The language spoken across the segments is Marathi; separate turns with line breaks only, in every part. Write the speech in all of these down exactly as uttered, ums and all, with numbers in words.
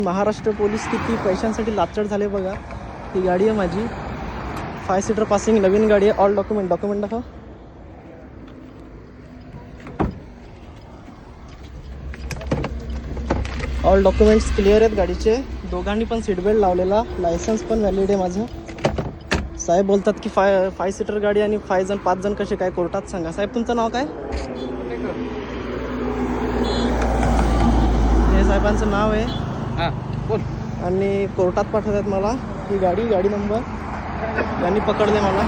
महाराष्ट्र पोलीस किती पैशांसाठी लाचड झाले बघा. ही गाडी आहे माझी, फाय सीटर पासिंग, नवीन गाडी आहे. ऑल डॉक्युमेंट डॉक्युमेंट दाखव. ऑल डॉक्युमेंट्स क्लिअर आहेत गाडीचे. दोघांनी पण सीट बेल्ट लावलेला, लायसन्स पण व्हॅलिड आहे माझं. साहेब बोलतात की फाय फाय सीटर गाडी आणि फाय जण पाच जण कसे काय कोर्टात सांगा. साहेब तुमचं नाव काय? हे साहेबांचं नाव आहे. आणि कोर्टात पाठवतात मला. ही गाडी गाडी नंबर यांनी पकडले मला.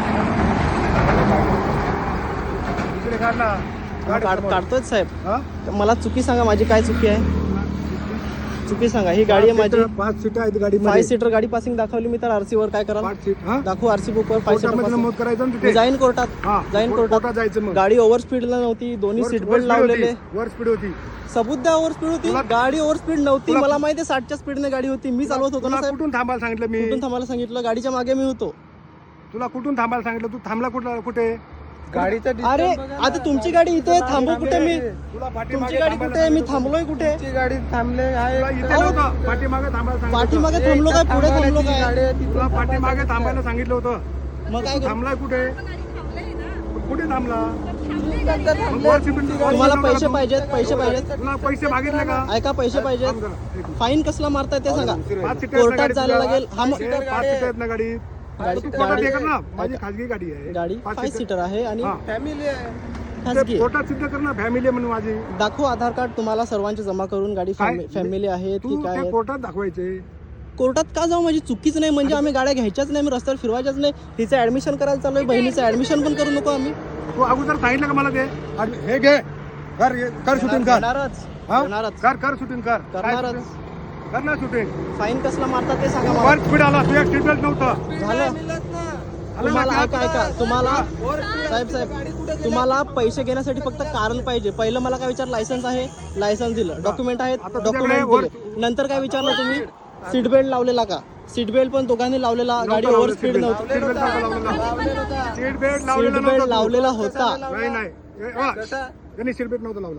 काढ काढतोय साहेब. मला चुकी सांगा, माझी काय चुकी आहे? चुकी सांगा. ही गाडी आहे माझी,
पाच सीट आहेत गाडी.
फाय सीटर गाडी पासिंग दाखवली मी तर आरसी वर काय कराल? दाखवू आरसी बुक वर फाय सीटर
नोंद करायचं.
मी जाईन कोर्टात, जाईन कोर्टात
जायचं.
गाडी ओव्हर स्पीडला नव्हती, दोन्ही सीट बेल्ट लावलेले.
ओव्हर स्पीड होती.
सबूत द्या. ओव्हर स्पीड होती गाडी, ओव्हर स्पीड नव्हती. मला माहिती आहे साठच्या स्पीडने गाडी होती. मी चालवत होतो ना साहेब.
कुठून थांबायला सांगितलं मी?
कुठून थांबायला सांगितलं? गाडीच्या मागे मी होतो.
तुला कुठून थांबायला सांगितलं? तू थांबला कुठला कुठे? गाडीचा
अरे आता तुमची गाडी इथे, थांबू कुठे मी? तुमची गाडी कुठे आहे? मी थांबलोय कुठे?
गाडी थांबले आहे. पाठीमागे थांबायला सांगितलं.
पाठीमागे थांबलो काय, पुढे थांबलो काय?
तुला पाठीमागे थांबायला सांगितलं होतं.
मग काय
थांबलाय कुठे? कुठे थांबला?
तुम्हाला पैसे पाहिजेत? पैसे पाहिजेत?
तुला पैसे मागितले का?
ऐका, पैसे पाहिजेत. फाईन कसला मारताय ते सांगा. कोर्टात जायला लागेल. हा मग
पाच सीटर आहेत ना गाडी. माझी खाजगी गाडी आहे.
गाडी फाय सीटर आहे आणि
फॅमिली आहे.
खाजगी.
कोर्टात सिद्ध कर ना फॅमिली म्हणून माझी.
दाखवू आधार कार्ड तुम्हाला सर्वांचे जमा करून. गाडी फॅमिली आहे की काय?
कोर्टात दाखवायचे.
कोर्टात का जाऊ? माझी चुकीच नाही म्हणजे आम्ही गाड्या घ्यायच्याच नाही, मी रस्त्यावर फिरवायच्याच नाही. तिचं ऍडमिशन करायला चालू आहे, बहिणीचं ऍडमिशन पण करू नको आम्ही.
तू अगोदर सांगितलं का मला ते? हे घे, कर कर शूटिंग कर.
करणारच करणारच
कर कर शूटिंग कर.
करणारच.
कर ना शूटिंग.
फाईन कसला मारतात ते सांगा मला.
वर स्पीड आला, तुझ्या सीट बेल्ट नव्हतं.
झालं. तुम्हाला ऐका ऐका तुम्हाला साहेब साहेब तुम्हाला पैसे घेण्यासाठी फक्त कारण पाहिजे. पहिलं मला काय विचार? लायसन्स आहे, लायसन्स दिलं. डॉक्युमेंट आहेत, डॉक्युमेंट दिले. नंतर काय विचारलं तुम्ही? सीट बेल्ट लावलेला का? सीट बेल्ट पण दोघांनी लावलेला. गाडी ओव्हर स्पीड नव्हती.
सीट बेल्ट
सीट बेल्ट लावलेला होता.
नाही नाही त्यांनी सीट बेल्ट नव्हतं लावला.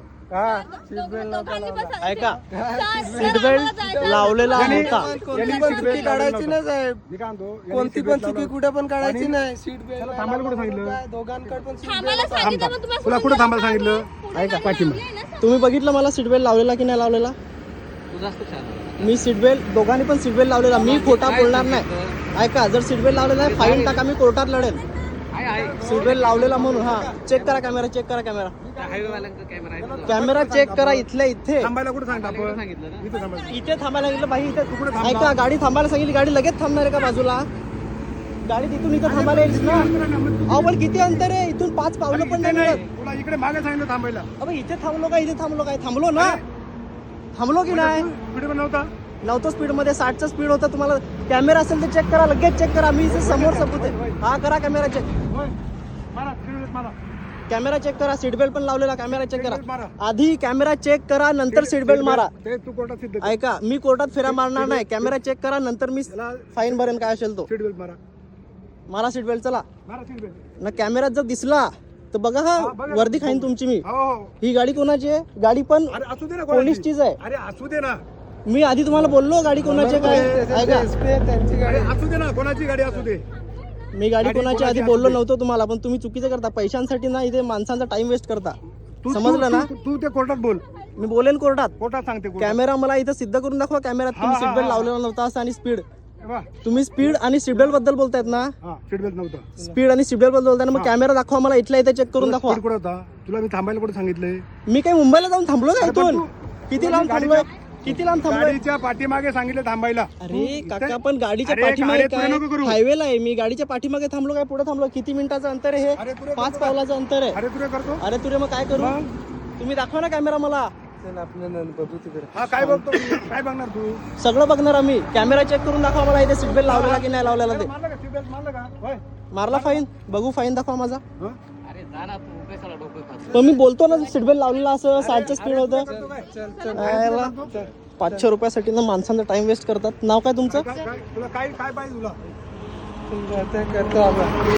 ऐका, सीट बेल्ट लावलेला होता.
चुकी काढायची ना साहेब. कोणती पण चुकी कुठे पण काढायची नाही. सीट बेल्ट थांबायला कुठे सांगितलं? दोघांकडे पण तुला कुठे थांबायला सांगितलं?
ऐका, पाठीमागे तुम्ही बघितलं मला सीट बेल्ट लावलेला की नाही लावलेला? मी सीट बेल्ट, दोघांनी पण सीट बेल्ट लावलेला. मी खोटा बोलणार नाही. ऐका, जर सीट बेल्ट लावलेला आहे फाईन टाका, मी कोर्टात लढेल. सीट बेल्ट लावलेला म्हणून. हा चेक करा कॅमेरा, चेक करा कॅमेरा. कॅमेरा चेक करा. इथल्या इथे
थांबायला कुठे सांगितलं?
इथे थांबायला सांगितलं बाई. इथे ऐका, गाडी थांबायला सांगितली. गाडी लगेच थांबणार आहे का बाजूला? गाडी तिथून इथं थांबायला येईल ना. अहो पण किती अंतर आहे? इथून पाच पावलं पण नाही मिळत.
तुला इकडे मागे सांगितलं थांबायला.
अबे इथे थांबलो का? इथे थांबलो काय? थांबलो ना. थांबलो की नाही?
स्पीड पण नव्हता.
नव्हतं स्पीड मध्ये, साठचं स्पीड होतं. तुम्हाला कॅमेरा असेल तर चेक करा, लगेच चेक करा. मी इथे समोर सबूत आहे. हा करा कॅमेरा चेक. कॅमेरा चेक करा. सीट बेल्ट पण लावलेला. कॅमेरा चेक करा. आधी कॅमेरा चेक करा, नंतर सीट बेल्ट मारा.
तू कोर्टात सिद्ध कर.
ऐका, मी कोर्टात फेरा मारणार नाही. कॅमेरा चेक करा, नंतर मी फाईन भरेन काय असेल तो.
सीट बेल्ट मारा.
मारा सीट बेल्ट. चला
मारा सीट बेल्ट.
ना. कॅमेरात जर दिसला तर बघा, हा वर्दी खाईन तुमची मी. ही गाडी कोणाची आहे? गाडी पण
असू दे ना,
पोलीसचीच आहे.
अरे असू दे ना.
मी आधी तुम्हाला बोललो गाडी कोणाची काय. ऐका,
असू दे ना, कोणाची गाडी असू दे.
मी गाडी कोणाची आधी बोललो नव्हतो तुम्हाला, पण तुम्ही चुकीचं करता. पैशांसाठी ना इथे माणसांचा टाइम वेस्ट करता. समजलं ना?
तू ते कोर्टात बोल.
मी बोलेन कोर्टात.
कोर्टात सांगते.
कॅमेरा मला इथं सिद्ध करून दाखवा. कॅमेऱ्यात तुम्ही सीट बेल्ट लावलेला नव्हता असं, आणि स्पीड. तुम्ही स्पीड आणि सीट बेल्ट बद्दल बोलतायत ना?
सीट बेल्ट नव्हतं.
स्पीड आणि सीट बेल्ट बद्दल बोलताय ना, मग कॅमेरा दाखवा मला. इथल्या इथे चेक करून दाखवा.
कुठे होता? तुला मी थांबायला कुठे सांगितलंय?
मी काही मुंबईला जाऊन थांबलो का? इथून किती लांब थांबलोय? किती लांब थांबलोय?
गाडीच्या पाठीमागे सांगितलं थांबायला.
अरे काका, पण गाडीच्या पाठीमागे काय? हायवेला आहे मी. गाडीच्या पाठीमागे थांबलो काय? पुढे थांबलो? किती मिनिटाचं अंतर आहे हे? पाच पावलाचं अंतर आहे.
अरे तुरे करतो.
अरे तुरे मग काय करू? तुम्ही दाखवा ना कॅमेरा मला.
हा काय बघतो? काय बघणार तू?
सगळं बघणार आम्ही. कॅमेरा चेक करून दाखवा मला इथे सीट बेल्ट लावलेला की नाही लावलेला ते. मारला फाईन? बघू फाईन दाखवा माझा. पण मी बोलतो ना सीट बेल्ट लावलेला असं, साठचं स्पीड होतं. पाचशे रुपयासाठी ना माणसांचा टाइम वेस्ट करतात. नाव काय तुमचं?
तुला काय काय पाहिजे तुला?